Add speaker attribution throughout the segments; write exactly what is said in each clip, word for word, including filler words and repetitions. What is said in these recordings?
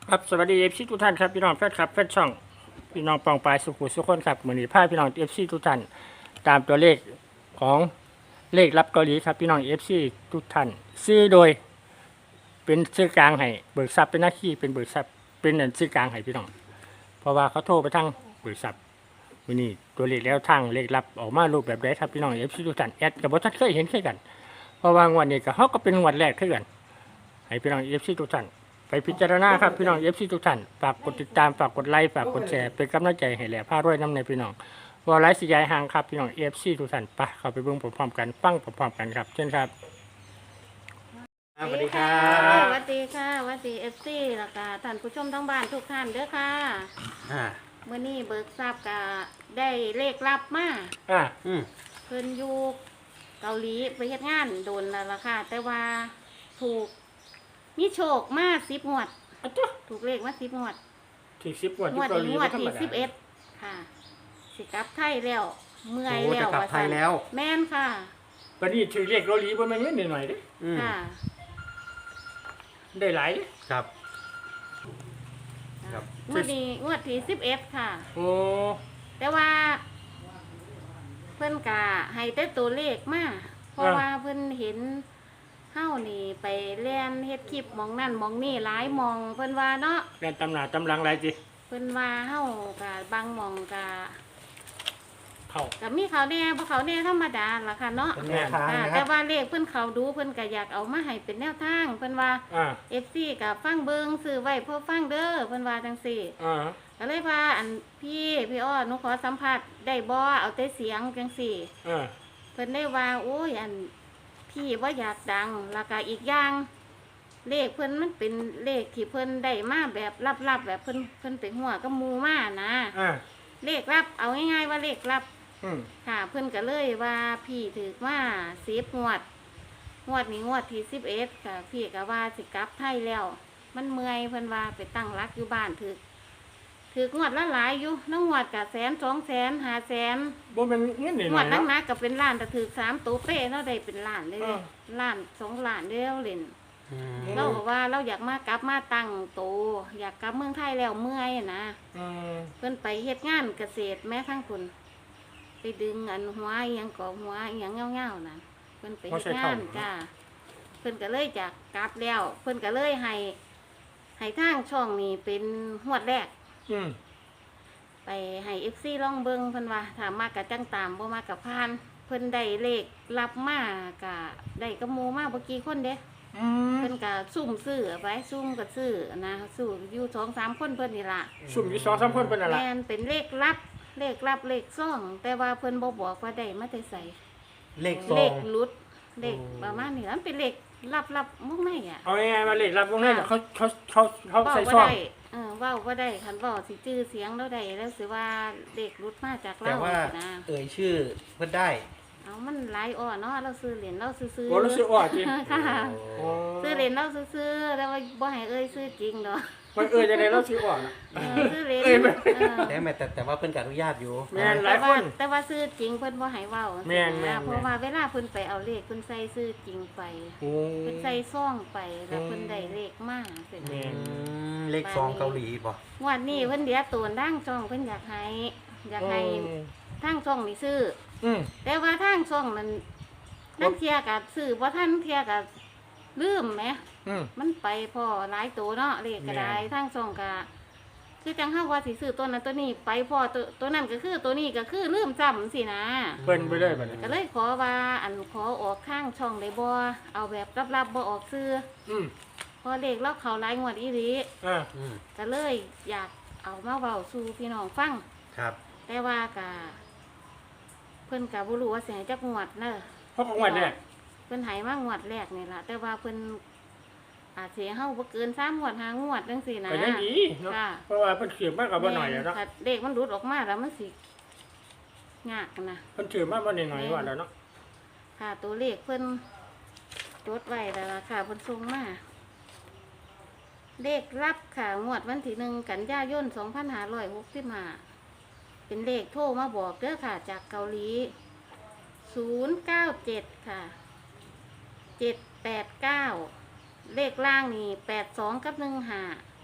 Speaker 1: ครับสวัสดีเอฟซีทุกท่านครับพี่น้องแฟนคลับแฟนช่องพี่น้องปองปลายสุขุสุขคนครับเหมือนนี้พาพี่น้องเอฟซีทุกท่านตามตัวเลขของเลขรับเกาหลีครับพี่น้องเอฟซีทุกท่านซื้อโดยเป็นซื้อกลางให้เบิกทรัพย์เป็นหน้าที่เป็นเบิกทรัพย์เป็นอันซื้อกลางให้พี่น้องเพราะว่าเขาโทรไปทางเบิกทรัพย์วันนี้ตัวเลขแล้วทางเลขรับออกมารูปแบบใดครับพี่น้องเอฟซีทุกท่านแอดกับบท่านเคยเห็นเคยกัน เพราะว่างวดนี้ก็เขาก็เป็นงวดแรกเท่ากันให้พี่น้องเอฟซีทุกท่านไปพิจารณาครับพี่น้องเอฟซีทุกท่านฝากกดติดตามฝากกดไลค์ฝากกดแชร์เป็นกำลังใจให้แหล่ผ้ารวยน้ำในพี่น้องว่าไลฟ์สิยายห่างครับพี่น้องเอฟซีทุกท่านไปเข้าไปเบิ่งพร้อมๆกันฟังพร้อมๆกันครับเช่นครับสวัสดีครับ
Speaker 2: สวัสดีค่ะสวัสดีเอฟซีแล้วก็ท่านผู้ชมทั้งบ้านทุกท่านเด้อค่ะ
Speaker 1: อ่า
Speaker 2: เมื่อนี้เบิกทราบก็ได้เลขลับมา
Speaker 1: อ่า
Speaker 3: อืม
Speaker 2: เพิ่นอยู่เกาหลีไปเฮ็ดงานโดนแล้วล่ะค่ะ แต่ว่าถูกมีโชคมาสิบงวด
Speaker 1: อ่ะจ๊ะ
Speaker 2: ถูกเลขมาสิบงวด
Speaker 1: ที่สิบงวด
Speaker 2: ง
Speaker 1: ที่
Speaker 2: วด
Speaker 1: เกาหลี
Speaker 2: นี้งว
Speaker 1: ไม่
Speaker 2: ด
Speaker 1: ธรรม
Speaker 2: ที่
Speaker 1: ดา
Speaker 2: สิบเอ็ดค่ะ สิกลับไทยแล้ว เมื่อย
Speaker 3: โอ้
Speaker 2: แล้
Speaker 3: จะ
Speaker 2: ว
Speaker 3: กลับ
Speaker 2: ว่า
Speaker 3: ไทย
Speaker 2: ซั่น
Speaker 3: แล้ว
Speaker 2: แม่นค่ะ
Speaker 1: วันนี้ถือเลขเกาหลีบนมันเงินหน่อยๆเด้
Speaker 3: อืม
Speaker 2: ค่ะ
Speaker 1: ได้หลายเด้
Speaker 3: ครับ ครับ
Speaker 2: งวดนี้งวดที่สิบเอ็ดค่ะ
Speaker 1: โอ้
Speaker 2: แต่ว่า เพิ่นกะให้แต่ตัวเลขมาเพราะว่าเพิ่นเห็นเฮานี่ไปเล่นเฮ็ดคลิปหมองนั่นหมองนี่หลายหมองเพิ่นว่าเนาะ
Speaker 1: เรียนตำหนาตำลังหลายจิ
Speaker 2: เพิ่นว่าเฮากะบางหมองกะ
Speaker 1: เข้า
Speaker 2: กะมีเขาแน่บ่เขาแน่ธรรมดาล่ะค่ะเนาะ
Speaker 3: เป็นแนวทาง
Speaker 2: ค่ะ
Speaker 3: นะค
Speaker 2: แต่
Speaker 3: รับ
Speaker 2: ว่าเลขเพิ่นเขาดูเพิ่นก็อยากเอามาให้เป็นแนวทางเพิ่นว่า
Speaker 1: อ่า
Speaker 2: เอฟ ซี ก็ฟังเบิ่งซื้อไว้เพื่อฟังเด้อเพิ่นว่าจังซี่
Speaker 1: อ่า
Speaker 2: ก็เลยว่าอันพี่พี่อ้อหนูขอสัมภาษณ์ได้บ่เอาแต่เสียงจังซี่
Speaker 1: อ่า
Speaker 2: เพิ่นได้ว่าโอ้ยอันพี่ว่าอยากดังแล้วก็อีกอย่างเลขเพิ่นมันเป็นเลขที่เพิ่นได้มาแบบลับๆแบบเพิ่นเพิ่นไปหัวกับหมูมานะ
Speaker 1: อ่า
Speaker 2: เลขลับเอาง่ายๆว่าเลขลับ
Speaker 1: อืม
Speaker 2: ค่ะ เพิ่นก็เลยว่าพี่ถือว่าสิบงวดงวดนี้งวดที่สิบเอ็ดค่ะพี่ก็ว่าสิกลับไทยแล้ว มันเมื่อยเพิ่นว่าไปตั้งรักอยู่บ้านถือถืองวดละหลายอยู่น้องงวดกับแสนสองแสนห้าแสน
Speaker 1: บ่แมันเงินหน่
Speaker 2: งว
Speaker 1: อ
Speaker 2: ด
Speaker 1: ยๆ
Speaker 2: นั้
Speaker 1: เนาะ
Speaker 2: นนะก็เป็นล้านแต่ถือสามตัวเป้เราได้เป็นล้านเลย
Speaker 1: เอ
Speaker 2: เด้
Speaker 1: อ
Speaker 2: ล้านสองล้านเดียวเล่น
Speaker 3: อืม
Speaker 2: เราบอกว่าเราอยากมากลับมาตั้งโตวอยากกลับเมืองไทยแล้วเมื่อยนะ
Speaker 1: อืม
Speaker 2: เพิ่นไปเฮ็ดงานเกษตรแม้ทั้งคนไปดึงอันหัวอหยังก่อหัวอหยังเงาๆนะเพิ่นไปเฮ็ดงานจ้าเพิ่นก็เลยจากกลับแล้ว เพิ่นก็เลยให้ให้ทางช่องนี้เป็นหวดแรก
Speaker 1: อืม
Speaker 2: ไปให้เอฟซีลองเบิงเพิ่นว่าถ้ามากกับจังตามบ่มากกับพาน เพิ่นได้เลขรับมากะได้กระมูมาบ่กี่คนเด้
Speaker 1: อืม
Speaker 2: เพิ่นก็ซุ่มซื้อไว้ซุ่มก็ซื้อนะสู้อยู่สองสามคนเพิ่นนี่ล่ะ
Speaker 1: สุ่มอยู่สองสามคนเป็นอะไร
Speaker 2: แม่นเป็นเลขลับ เลขลับเลขซ่องแต่ว่าเพิ่นบ่บอกว่าได้มาแต่ไส
Speaker 3: เลขซ
Speaker 2: เล
Speaker 3: อ
Speaker 2: ข
Speaker 3: ง
Speaker 2: หลุดเลข
Speaker 3: โอ้
Speaker 2: ประมาณนี้มันเป็นเลขลับๆมุกในอ่ะ
Speaker 1: เอาง่ายๆมาเลขรับตรงนั้นเขาเขาเขาเขา
Speaker 2: เว้า
Speaker 1: ใส่
Speaker 2: บ่
Speaker 1: ซอง
Speaker 2: ได้เออเว้าบ่ได้คันเว้าสิจื้อเสียงเราได้แล้วสิว่าเลขหลุดมาจาก
Speaker 3: แต่
Speaker 2: เรา
Speaker 3: ว่า
Speaker 2: นะ
Speaker 3: เอ่ยชื่อเพื่อนได้
Speaker 2: เอามันหลายอ้อเนาะเราซื้อเหรียญเราซื้อๆ
Speaker 1: โอ้รู้สึกอ่อนจริง
Speaker 2: ค่ะ
Speaker 3: โอ้
Speaker 2: ซื้อเหรียญเราซื้อๆแต่ว่าบ่ให้เอ้ยซื้อจริงเนาะ
Speaker 1: มันเออจะได้เราซื้ออ่อน
Speaker 2: เออซื้อเหรียญ
Speaker 1: เอ้ยไม่
Speaker 2: เออ
Speaker 3: แต่แม่แต่แต่ว่าเพื่อนกับอนุญาตอยู่
Speaker 1: แม่น หลา
Speaker 2: แต่
Speaker 1: ยค
Speaker 2: ว่าน แต่ว่าซื้อจริงเพิ่นบ่ให้เว้า
Speaker 1: แม่นแม่น
Speaker 2: เพราะว่าเวลาเพิ่นไปเอาเลขเพิ่นใส่ซื้อจริงไป
Speaker 1: โอ้
Speaker 2: เพิ่นใส่ซองไปแล้วเพิ่นได้เลขมาเป็น
Speaker 1: แม่
Speaker 3: อืมเลขซองเกาหลีบ่
Speaker 2: งวันนี้เพิ่นเดียวตัวดั้งช่องเพิ่นอยากให้อยากให้ทางช่องนี่ซื้อ
Speaker 1: อืม
Speaker 2: แต่ว่าทางช่องนั้นนั่งเที่ยกับซื้อบ่ทันเที่ยกับลืมแหม
Speaker 1: อืม
Speaker 2: มันไปพอหลายตัวเนาะเลขก็ได้
Speaker 1: แม่น
Speaker 2: ทางช่องก็คือจังเฮาว่าสิซื้อตัวนั้นตัวนี้ไปพอตัวตัวนั้นก็คือตัวนี้ก็คือลืมจำสินะ
Speaker 1: เปิ้นไปเลยบัดนี้
Speaker 2: ก็เลยขอว่าอันขอออกข้างช่องได้บ่เอาแบบลับๆบ่ออกซื้อ
Speaker 1: อืม
Speaker 2: พอเลขเราเข้าหลายงวดอีหลี
Speaker 1: อ่า
Speaker 3: อืม
Speaker 2: ก็เลยอยากเอามาเว้าสู่พี่น้องฟัง
Speaker 3: ครับ
Speaker 2: แต่ว่าก็เพิ่นก็บ่รู้ว่าสิให้จักงวดเด้อ
Speaker 1: เพราะของวันเนี่ย
Speaker 2: เพิ่นให้มางวดแรกนี่ล่ะแต่ว่าเพิ่นอาจสิให้เฮาบ่เกินสามงวดห้างวดจังซี่นะ
Speaker 1: ก็ยังดีเนาะ
Speaker 2: ค่ะ
Speaker 1: เพราะว่าเพิ่นถือมากกว่าบ่หน่อยแล้วเนาะ
Speaker 2: ถ้าเลขมันหลุดออกมาแล้วมันสิยากนะ
Speaker 1: เพิ่นถือมากบ่หน่อยๆว่าแล้วเนาะ
Speaker 2: ค่ะตัวเลขเพิ่นจดไว้แล้วล่ะค่ะเพิ่นส่งมาเลขรับค่ะงวดวันที่หนึ่งกันยายนสองพันห้าร้อยหกสิบห้าเป็นเลขโทรมาบอกเด้อค่ะ จากเกาหลีศูนย์เก้าเจ็ดค่ะเจ็ดแปดเก้าเลขล่างนี่แปดสองกับหนึ่งห้า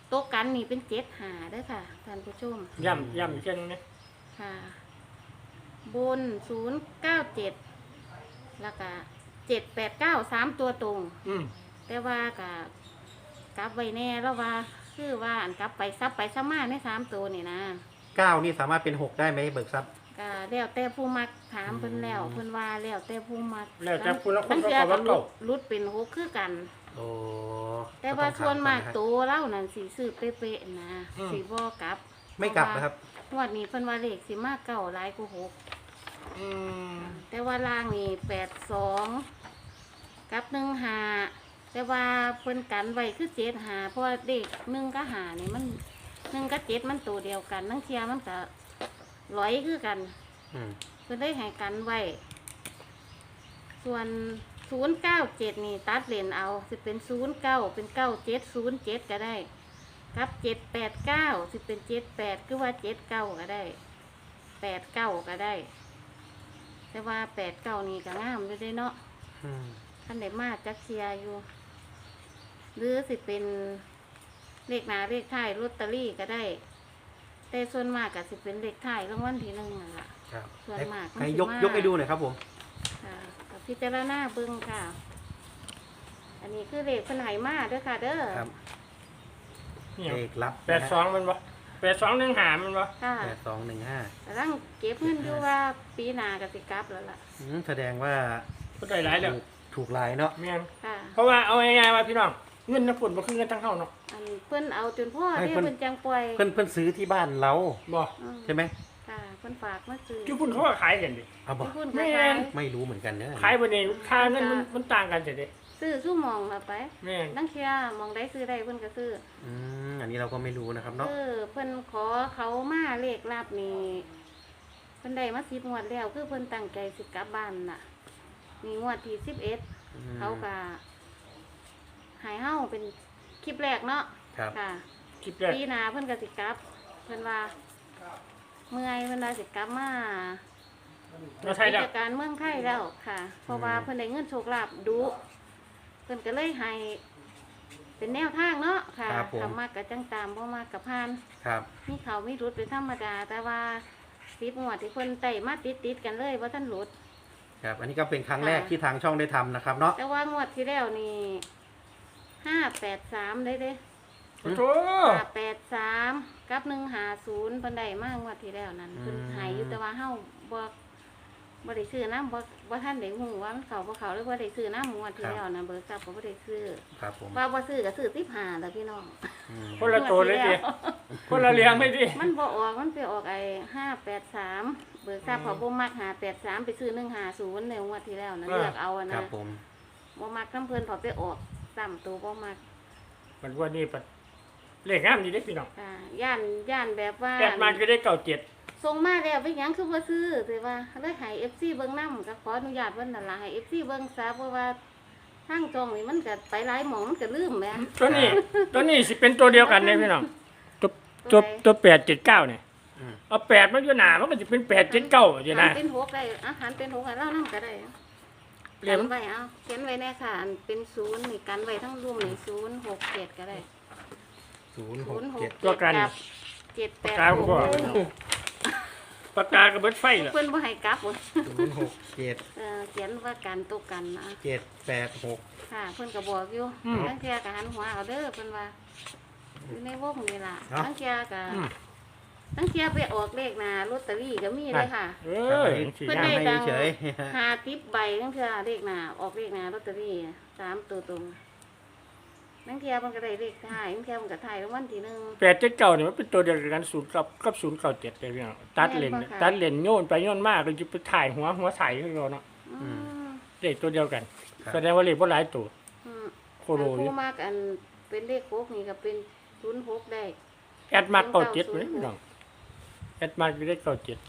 Speaker 2: โต๊ะกันนี่เป็นเจ็ดหาเด้อค่ะท่านผู้ชม
Speaker 1: ย่ำย่ำอีกเช่นนึงนะ
Speaker 2: ค่ะบนศูนย์เก้าเจ็ดแล้วก็เจ็ดแปดเก้าสามตัวตรง
Speaker 1: อืม
Speaker 2: แต่ว่ากับกลับไว้แน่แล้วว่าคือว่าอันกลับไปซับไปซับมาในสามตัวนี่นะ
Speaker 3: เก้านี่สามารถเป็นหกได้ไหมเบิกทรัพย์
Speaker 2: ก็แล้วแต่ผู้มักถามเพิ่นแล้วเพิ่นว่าแล้วแต่ผู้มัก
Speaker 1: แล้วแต่คุณละคน
Speaker 2: บาง
Speaker 1: ก็
Speaker 2: เทื่อ
Speaker 1: บอก
Speaker 2: ก็
Speaker 1: ว่า
Speaker 2: รุ
Speaker 1: เก่า
Speaker 2: ดรุดเป็นหกคือกัน
Speaker 3: โอ้
Speaker 2: แต่ว่า
Speaker 3: ก็
Speaker 2: ส่วนมาก
Speaker 3: ต้องถ
Speaker 2: ตัวเล่านั่นสีซื้อเป๊ะๆนะสีบ่กลับ
Speaker 3: ไม่กลับนะครับ
Speaker 2: งวดนี้เพิ่นว่าเลขสิมาเก่าหลายกว่าหก
Speaker 1: อืม
Speaker 2: แต่ว่าล่างนี่แปดสองกับหนึ่งหาแต่ว่าเพิ่นกันไว้คือเจ็ดหาเพราะว่าเด็กหนึ่งกับหานี่มันหนึ่งกับเจ็ดมันตัวเดียวกันนั่งเทียมันก็ร้อยคือกัน
Speaker 3: อืม
Speaker 2: เพิ่นได้ให้กันไว้ ส่วนศูนย์เก้าเจ็ดนี่ตัดเลนเอาสิเป็นศูนย์เก้าเป็นเก้าเจ็ดศูนย์เจ็ดก็ได้กับเจ็ดแปดเก้าสิเป็นเจ็ดแปดคือว่าเจ็ดเก้าก็ได้แปดเก้าก็ได้ แต่ว่าแปดเก้านี่ก็งามอยู่เด้เนาะ
Speaker 3: อืม
Speaker 2: ท่านได้มาจักเชียร์อยู่ หรือสิเป็นเลขหน้าเลขท้ายลอตเตอรี่ก็ได้ แต่ส่วนมากก็สิเป็นเลขท้ายรางวัลที่หนึ่งนั่นล่ะ
Speaker 3: ครับ
Speaker 2: ส่วนมากมัน
Speaker 3: ให้
Speaker 2: สิ
Speaker 3: ยก
Speaker 2: มาก
Speaker 3: ยกให้ดูหน่อยครับผม
Speaker 2: ค่ะกับพิจารณาเบิ่งค่ะ อันนี้คือเลขเพิ่นให้มาเด้อค่ะ เด้อ
Speaker 3: ครับ
Speaker 1: นี่
Speaker 3: เลขลับ
Speaker 1: แปดสองมันบ่แปดสองหนึ่งหามันบ่
Speaker 2: ค่ะ
Speaker 3: แปดสองหนึ่งห้าก
Speaker 2: ำลังเก็บเงินอยู่ว่าปีหน้าก็สิกลับแล้วล่ะ
Speaker 3: อืมแสดงว่า
Speaker 1: ก็ได้หลายแล้ว
Speaker 3: ถูกถูกลายเนาะ
Speaker 1: แม่น
Speaker 2: ค่ะ
Speaker 1: เพราะว่าเอาง่ายๆว่าพี่น้องเงินน้ำฝนบ่คือเงินทั้งเฮาเนาะ
Speaker 2: อันเพิ่นเอาจนพ่อ
Speaker 3: ให้
Speaker 2: ที่
Speaker 3: เพิ่น
Speaker 2: เพิ่นจังปล่อย
Speaker 3: เพื่อนเพื่อนซื้อที่บ้านเรา
Speaker 1: บ่
Speaker 2: อืม
Speaker 3: ใช่ไหม
Speaker 2: ค่ะเพิ่นฝากมาซื้อ
Speaker 1: ที่พุ่นเขาก็ขายกันดิ
Speaker 3: เอาบอก
Speaker 2: ที่พุ่น
Speaker 1: แม่
Speaker 2: ก็ขาย
Speaker 1: น
Speaker 3: ไม่รู้เหมือนกันเนอะ
Speaker 1: ขายบ่นี่ค่าเงินมันมันต่างกันสิเด้
Speaker 2: ซื้อสู้หมองละไป
Speaker 1: แม่น
Speaker 2: นังเชียมองได้ซื้อได้เพิ่นก็ซื้อ
Speaker 3: อืมอันนี้เราก็ไม่รู้นะครับเนาะ
Speaker 2: เออเพิ่นขอเขามาเลขลับนี่เพิ่นได้มาสิบงวดแล้วคือเพิ่นตั้งใจสิกลับบ้านน่ะมีงวดที่สิบเอ็ด
Speaker 3: อืม
Speaker 2: เขาก็ใหายเฮาเป็นคลิปแรกเนาะ
Speaker 3: ครับ
Speaker 2: ค่ะ
Speaker 1: คลิปแรก
Speaker 2: ปีหน้าเพิ่นก็สิกลับ เพิ่นว่าเมื่อยเพิ่นว่าสิกลับมา
Speaker 1: เราไทย
Speaker 2: กิ
Speaker 1: แล้ว
Speaker 2: จการเมืองไทยแล้วค่ะ เพราะว่าเพิ่นได้เงินโชคลาภดุเพิ่นก็เลยให้เป็นแนวทางเนาะค่ะ
Speaker 3: ครับผม
Speaker 2: ทำมากกับจังตามบ่มากกับพาน
Speaker 3: ครับ
Speaker 2: มีเขามีรุดเป็นธรรมดา แต่ว่าสิบงวดที่เพิ่นไต่มาติดติดๆกันเลยว่าท่านหลุด
Speaker 3: ครับ อันนี้ก็เป็นครั้งแรก
Speaker 2: ค่ะ
Speaker 3: ที่ทางช่องได้ทำนะครับเนาะ
Speaker 2: แต่ว่างวดที่แล้วนี่ห้าแปดสามได้เด้
Speaker 1: โอ้โห
Speaker 2: ห้าแปดสามกับหนึ่งหาศูนย์เพิ่นได้มากงวดที่แล้วนั้นเพิ่นใหายอยู่แต่ว่าเฮาบ่บ่ได้ซื้อน้ำบ่บ่ท่านได้ฮู้ว่ามันเข้าบ่เข้าหรือบ่ได้ซื้อน้ำงวดที่แล้วนะเบิกทรัพย์ก็บ่ได้ซื้อ
Speaker 3: ครับผม
Speaker 2: ว่าบ่ซื้อก็ซื้อสิบห้าแล้วพี่น้อง
Speaker 3: อืม
Speaker 1: คนละตัวเลยดิคนละเลี้ยงเลยดิ
Speaker 2: มันบ่ออกมันไปออกไอ้ห้าแปดสามเบิกทรัพย์เขาบ่มักห้าแปดสามไปซื้อหนึ่งห้าศูนย์ในงวดที่แล้วนะเลือกเอาอะ
Speaker 3: ครั
Speaker 2: นะ
Speaker 3: บผม
Speaker 2: บ่มักน้ำเพิ่นพอไปออกซ้ำตัวบ่มัก
Speaker 1: มันว่านี่ปัดเลขงามดีเด้พี่น้อง
Speaker 2: อ่าย่านย่านแบบว่า
Speaker 1: แปดมันก็ได้เก่าเจ็ด
Speaker 2: ส่งมาแล้วไปหยังคือบ่ซื้อแต่ว่าเลยให้ เอฟ ซี เบิ่งนำก็ขออนุญาตเพิ่นนั่นล่ะให้ เอฟ ซี เบิ่งซะเพราะว่าทางจองนี่มันก็ไปหลายหม่องมันก็ลืมแหม
Speaker 1: ตัวนี้ตัวนี้สิเป็นตัวเดียวกันเลยพี่น้องตัวตัวตัวแปดเจ็ดเก้าเนี่ย
Speaker 3: อืม
Speaker 1: เอาแปดมันอยู่หนามันก็จะเป็นแปดเจ็ดเก้าอยู่
Speaker 2: หั
Speaker 1: นะ
Speaker 2: นเป็นหกได้อาหารเป็นหกให้เรานำก็ได้
Speaker 1: เรีย
Speaker 2: กัน นไว้เอาเขียนไว้แน่ค่ะอันเป็นศูนย์นี่กันไว้ทั้งรวมนี่ศูนย์หกเจ็ดก็ได้
Speaker 3: ศูนย์ห
Speaker 2: ศู
Speaker 3: ก
Speaker 2: นย์หก
Speaker 3: เจ็ด
Speaker 2: เจ็ดกับเจ็ดแปด
Speaker 1: ปากกา
Speaker 2: ห
Speaker 1: ผม
Speaker 2: ก
Speaker 1: บอกปากกากระเบิดไฟเหรอ
Speaker 2: เพิ่นบ่ให้กลับบ่
Speaker 3: ศูนย์หกเจ็ด
Speaker 2: เออเขียนว่ากันตกกันนะ
Speaker 3: เจ็ดแปดหก
Speaker 2: ค่ะเพิ่นก็บอกอยู่ทั้งเที่ยก็หันหัวเอาเด้อเพิ่นว่าอยู่ในวงนี่ล่ะทั้งเที่ยก็
Speaker 1: อืม
Speaker 2: ทั้งเที่ยไปออกเลขหน้าลอตเตอรี่ก็มีเลยค่ะ
Speaker 1: เอ
Speaker 3: ครับ
Speaker 1: อ
Speaker 3: อันนี้
Speaker 1: สี
Speaker 2: เพิ่น
Speaker 1: งา
Speaker 2: ได้
Speaker 1: ม
Speaker 3: ให้
Speaker 2: ตังค์
Speaker 3: เฉย
Speaker 2: หาติปใบทั้งเที่ยเลขหน้าออกเลขหน้าลอตเตอรี่สามตัวตรงทั้งเที่ยมันก็ได้เลขท้ายทั้งเที่ยมันก็ท้ายรางวัลที่หนึ่ง
Speaker 1: แปดเจ็ดเก้าเนี่ยมันเป็นตัวเดียวกันศูนย์กับกับศูนย์เก้าเจ็ดเลยพี่น้องตัดเลน
Speaker 2: แม่นบ่คะ
Speaker 1: ตัดเลนโยนไปโยนมากเลยจะไปถ่ายหัวหัวใสขึ้นเราเนาะ
Speaker 2: อืม
Speaker 1: เลขตัวเดียวกัน
Speaker 3: ครับ
Speaker 1: แสดงว่าเลขว่าหลายตัว
Speaker 2: อืม
Speaker 1: โคโรอยู่
Speaker 2: ผู้มากอันเป็นเลขหกนี่ก็เป็นศูนย์หกได้
Speaker 1: แอดมาร์กเก้าเจ็ดเลยพี่น้องแอดมาร์กอยู่ได้เก้าเจ็ด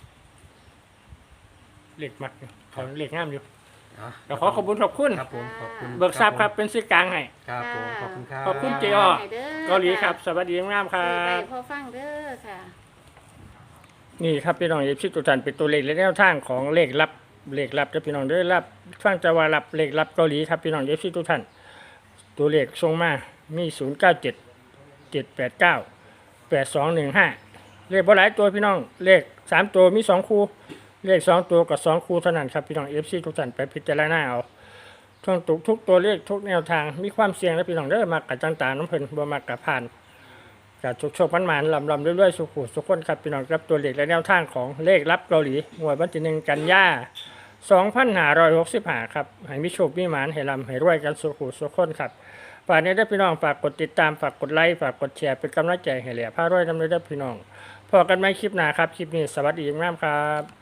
Speaker 1: เลขมักอยู่เขาเลขงามอยู่
Speaker 3: อ๋อ
Speaker 1: เดี๋ยวขอขอบคุณขอบคุณ
Speaker 3: ครับผมขอบคุณ
Speaker 1: เบิกทรัพย์ครับเป็นสื่อกลางให้
Speaker 3: ครับผมขอบคุณครับ
Speaker 1: ขอบคุณเจ๊อ้อ
Speaker 2: ให้ด้
Speaker 1: เกาหลีครับ สวัสดีงามครั
Speaker 2: ซื้อไป
Speaker 1: บ
Speaker 2: พอฟังเด้อค่ะ
Speaker 1: นี่ครับพี่น้องเอฟซีตัวจันเป็นตัวเลขและแนวทางของเลขลับเลขลับจะพี่น้องเด้อรับฟังจะว่ารับเลขลับเกาหลีครับพี่น้องเอฟซีตัวท่านตัวเลขทรงมามีศูนย์เก้าเจ็ดเจ็ดแปดเก้าแปดสองหนึ่งห้าเลขบ่หลายตัวพี่น้องเลขสามตัวมีสองคู่เลขสองตัวกับสองคู่เท่านั้นครับพี่น้องเอฟซีทุกท่านไปพิจารณาเอาทุกทุกทุกตัวเลขทุกแนวทางมีความเสี่ยงและพี่น้องเด้อมากับต่างๆน้ำเพลินบ่มากับผ่านกับโชคๆมันๆลำลำเรื่อยๆสุขุสุขคนครับพี่น้องครับตัวเลขและแนวทางของเลขลับเกาหลีงวดวันที่หนึ่งกันยาสองพันห้าร้อยหกสิบห้าครับให้มีโชคมีหมานให้ลำให้รวยกันสุขุสุขคนครับฝากนี้ได้พี่น้องฝากกดติดตามฝากกดไลค์ฝากกดแชร์เป็นกำลังใจให้เหล่ยพารวยนำเลยได้พี่น้องพอกันไหมคลิปหน้าครับคลิปนี้สวัสดีงามครับ